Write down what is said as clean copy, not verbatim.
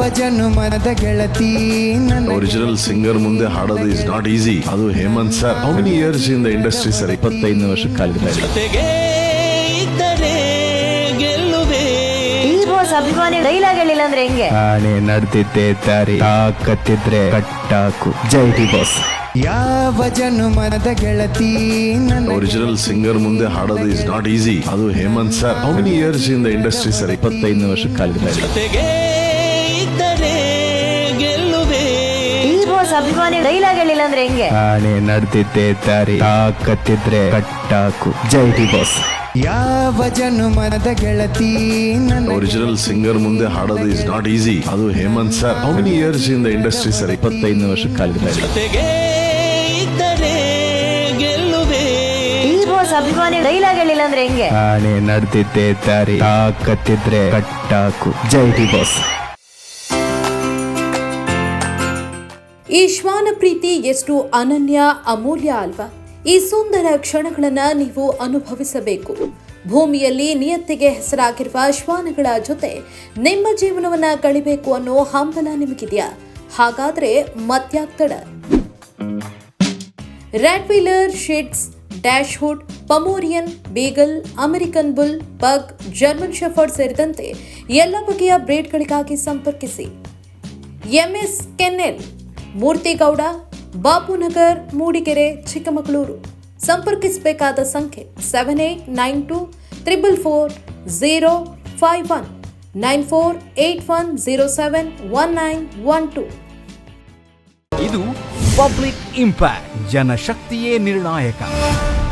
ಜನುಮದ ಗೆಳತಿ original singer ಮುಂದೆ ಹಾಡೋದು ಇಸ್ ನಾಟ್ ಈಸಿ. ಅದು Hemanth sir. How many years in the industry sir? 25 ವರ್ಷ ಕಾಲಿದೆ. ಅಭಿಮಾನಿ ಡೈಲಾಗ್ ಹೇಳಿಲ್ಲ ಅಂದ್ರೆ ಹೆಂಗೆ? ನಾನೇ ನಡೆದಿದ್ದೆ ದಾರಿ, ತಾಕತ್ತಿದ್ರೆ ಕಟ್ಟಾಕು. ಜೈ ಡಿ ಬಾಸ್. ಯಾವ ಜನುಮದ ಗೆಳತಿ ಒರಿಜಿನಲ್ ಸಿಂಗರ್ ಮುಂದೆ ಹಾಡೋದು ಇಸ್ ನಾಟ್ ಈಸಿ. ಅದು Hemanth sir. How many years in the industry sir? 25 ವರ್ಷ ಕಾಲಿದೆ. ಅಭಿಮಾನಿ ಡೈಲಾಗ್ ಹೇಳಿಲ್ಲ ಅಂದ್ರೆ ಹೆಂಗೆ? ನಾನೇ ನಡೆದಿದ್ದೆ ದಾರಿ, ತಾಕತ್ತಿದ್ರೆ ಕಟ್ಟಾಕು. ಜೈ ಡಿ ಬಾಸ್. ಯಾವ ಜನುಮದ ಗೆಳತಿ ಒರಿಜಿನಲ್ ಸಿಂಗರ್ ಮುಂದೆ ಹಾಡೋದು ಇಸ್ ನಾಟ್ ಈಸಿ. ಅದು Hemanth sir. How many years in the industry sir? 25 ವರ್ಷ ಕಾಲಿದೆ. ಅಭಿಮಾನಿ ಡೈಲಾಗ್ ಹೇಳಿಲ್ಲ ಅಂದ್ರೆ ಹೆಂಗೆ? ನಾನೇ ನಡೆದಿದ್ದೆ ದಾರಿ, ತಾಕತ್ತಿದ್ರೆ ಕಟ್ಟಾಕು. ಜೈ ಡಿ ಬಾಸ್. ಈ ಶ್ವಾನ ಪ್ರೀತಿ ಎಷ್ಟು ಅನನ್ಯ, ಅಮೂಲ್ಯ ಅಲ್ವಾ? ಈ ಸುಂದರ ಕ್ಷಣಗಳನ್ನು ನೀವು ಅನುಭವಿಸಬೇಕು. ಭೂಮಿಯಲ್ಲಿ ನಿಯತ್ತಿಗೆ ಹೆಸರಾಗಿರುವ ಶ್ವಾನಗಳ ಜೊತೆ ನಿಮ್ಮ ಜೀವನವನ್ನ ಕಳಿಬೇಕು ಅನ್ನೋ ಹಂಬಲ ನಿಮಗಿದೆಯಾ? ಹಾಗಾದ್ರೆ ಮತ್ಯಾಗ್ತಡ? ರ್ಯಾಟ್ ವೀಲರ್, ಶಿಟ್ಸ್, ಡ್ಯಾಶ್ ಹುಡ್, ಪಮೋರಿಯನ್, beagle, American bull, pug, German shepherd ಸೇರಿದಂತೆ ಎಲ್ಲ ಬಗೆಯ ಬ್ರೀಡ್ಗಳಿಗಾಗಿ ಸಂಪರ್ಕಿಸಿ. ಎಂಎಸ್ ಕೆನ್ನೆಲ್, ಮೂರ್ತಿಗೌಡ, ಬಾಪುನಗರ್, ಮೂಡಿಗೆರೆ, ಚಿಕ್ಕಮಗಳೂರು. ಸಂಪರ್ಕಿಸಬೇಕಾದ ಸಂಖ್ಯೆ 7892444051 9481071912. ಇದು ಪಬ್ಲಿಕ್ ಇಂಪ್ಯಾಕ್ಟ್. ಜನಶಕ್ತಿಯೇ ನಿರ್ಣಾಯಕ.